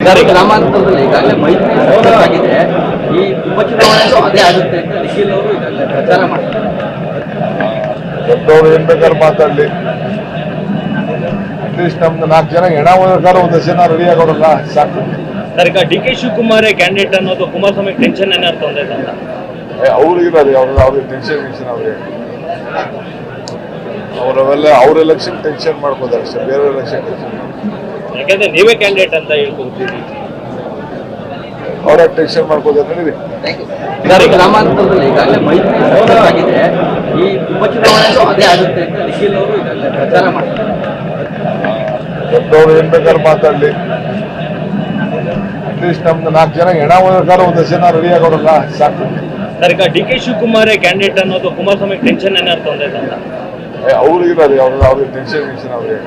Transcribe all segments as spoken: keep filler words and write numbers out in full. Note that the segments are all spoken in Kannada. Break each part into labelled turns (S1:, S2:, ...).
S1: ಗ್ರಾಮಾಂತರದಲ್ಲಿ ಈಗಾಗಲೇ ಮೈತ್ರಿ ಸಕ್ಸಸ್ ಆಗಿದೆ. ಈ ಉಪಚುನಾವಣೆಗೂ ಅದೇ ಆಗುತ್ತೆ ಅಂತ ನಿಖಿಲ್ ಅವರು ಈಗಾಗಲೇ ಪ್ರಚಾರ ಮಾಡ್ತಾರೆ.
S2: ದೊಡ್ಡವರು ಏನ್ ಬೇಕಾದ್ರೆ ಮಾತಾಡ್ಲಿ, ಅಟ್ಲೀಸ್ಟ್ ನಮ್ದು ನಾಲ್ಕು ಜನ ಹೆಣ ಹೋಗಕ್ಕಾರ ಒಂದಷ್ಟು ಜನ ರೆಡಿ ಆಗೋರಲ್ಲ ಸಾಕು.
S3: ಸರ್, ಈಗ ಡಿ ಕೆ ಶಿವಕುಮಾರ್ ಕ್ಯಾಂಡಿಡೇಟ್ ಅನ್ನೋದು ಕುಮಾರಸ್ವಾಮಿ ಟೆನ್ಷನ್ ಏನಾದ್ರು ತೊಂದರೆ ಅಂತ
S2: ಅವ್ರಿಗಿರೋದು ಅವ್ರ ಅವ್ರಿಗೆ ಟೆನ್ಷನ್ ಟೆನ್ಷನ್ ಅವ್ರಿಗೆ ಅವರವೆಲ್ಲ ಅವ್ರ ಎಲೆಕ್ಷನ್ ಟೆನ್ಷನ್ ಮಾಡ್ಕೋತಾರೆ ಅಷ್ಟೇ, ಬೇರೆ ಎಲೆಕ್ಷನ್ ಟೆನ್ಷನ್.
S3: ಯಾಕಂದ್ರೆ ನೀವೇ ಕ್ಯಾಂಡಿಡೇಟ್ ಅಂತ ಹೇಳ್ಕೊಡ್ತೀವಿ,
S2: ಅವ್ರ ಟೆನ್ಷನ್ ಮಾಡ್ಕೋತಾರೆ. ನಡೀರಿ.
S1: ಗ್ರಾಮಾಂತರದಲ್ಲಿ ಈಗಾಗಲೇ ಮೈತ್ರಿ ಸಕ್ಸಸ್ ಆಗಿದೆ. ಈ ಉಪಚುನಾವಣೆಗೂ ಅದೇ ಆಗುತ್ತೆ ಅಂತ ನಿಖಿಲ್ ಅವರು ಈಗಾಗಲೇ ಪ್ರಚಾರ ಮಾಡ್ತಾರೆ.
S2: ದೊಡ್ಡವರು ಏನ್ ಬೇಕಾದ್ರೆ ಮಾತಾಡ್ಲಿ, ಅಟ್ಲೀಸ್ಟ್ ನಮ್ದು ನಾಲ್ಕು ಜನ ಹೆಣ ಹೋಗಕ್ಕಾರ ಒಂದಷ್ಟು ಜನ ರೆಡಿ ಆಗೋರಲ್ಲ ಸಾಕು.
S3: ಸರ್, ಈಗ ಡಿ ಕೆ ಶಿವಕುಮಾರ್ ಕ್ಯಾಂಡಿಡೇಟ್ ಅನ್ನೋದು ಕುಮಾರಸ್ವಾಮಿ ಟೆನ್ಷನ್ ಏನಾದ್ರು ತೊಂದರೆ ಅಂತ
S2: ಅವ್ರಿಗಿರೋದು ಅವ್ರ ಅವ್ರಿಗೆ ಟೆನ್ಷನ್ ಟೆನ್ಷನ್ ಅವ್ರಿಗೆ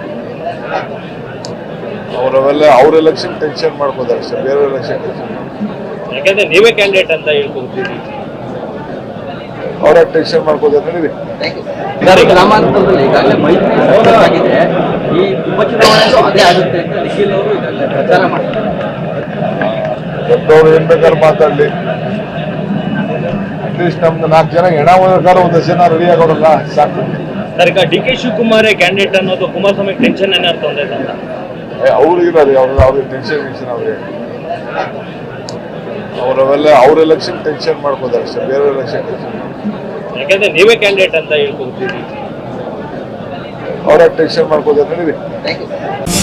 S2: ಅವರವೆಲ್ಲ ಅವ್ರ ಎಲೆಕ್ಷನ್ ಟೆನ್ಷನ್ ಮಾಡ್ಕೋತಾರೆ ಅಷ್ಟೇ, ಬೇರೆ ಎಲೆಕ್ಷನ್ ಟೆನ್ಷನ್.
S3: ಯಾಕಂದ್ರೆ ನೀವೇ ಕ್ಯಾಂಡಿಡೇಟ್ ಅಂತ ಹೇಳ್ಕೊಡ್ತೀವಿ,
S2: ಅವ್ರ ಟೆನ್ಷನ್ ಮಾಡ್ಕೋತಾರೆ. ನಡೀರಿ.
S1: ಗ್ರಾಮಾಂತರದಲ್ಲಿ ಈಗಾಗಲೇ ಮೈತ್ರಿ ಸಕ್ಸಸ್ ಆಗಿದೆ. ಈ ಉಪಚುನಾವಣೆಗೂ ಅದೇ ಆಗುತ್ತೆ ಅಂತ ನಿಖಿಲ್ ಅವರು ಈಗಾಗಲೇ ಪ್ರಚಾರ ಮಾಡ್ತಾರೆ.
S2: ದೊಡ್ಡವರು ಏನ್ ಬೇಕಾದ್ರೆ ಮಾತಾಡ್ಲಿ, ಅಟ್ಲೀಸ್ಟ್ ನಮ್ದು ನಾಲ್ಕು ಜನ ಹೆಣ ಹೋಗಕ್ಕಾರ ಒಂದಷ್ಟು ಜನ ರೆಡಿ ಆಗೋರಲ್ಲ ಸಾಕು.
S3: ಸರ್, ಈಗ ಡಿ ಕೆ ಶಿವಕುಮಾರ್ ಕ್ಯಾಂಡಿಡೇಟ್ ಅನ್ನೋದು ಕುಮಾರಸ್ವಾಮಿ ಟೆನ್ಷನ್ ಏನಾದ್ರು ತೊಂದರೆ ಅಂತ
S2: ಅವ್ರಿಗಿರೋದು ಅವ್ರ ಅವ್ರಿಗೆ ಟೆನ್ಷನ್ ಟೆನ್ಷನ್ ಅವ್ರಿಗೆ ಅವರವೆಲ್ಲ ಅವ್ರ ಎಲೆಕ್ಷನ್ ಟೆನ್ಷನ್ ಮಾಡ್ಕೋತಾರೆ ಅಷ್ಟೇ, ಬೇರೆ ಎಲೆಕ್ಷನ್ ಟೆನ್ಷನ್.
S3: ಯಾಕಂದ್ರೆ ನೀವೇ ಕ್ಯಾಂಡಿಡೇಟ್ ಅಂತ ಹೇಳ್ಕೊಡ್ತೀವಿ,
S2: ಅವ್ರ ಟೆನ್ಷನ್ ಮಾಡ್ಕೋತಾರೆ. ನಡೀರಿ.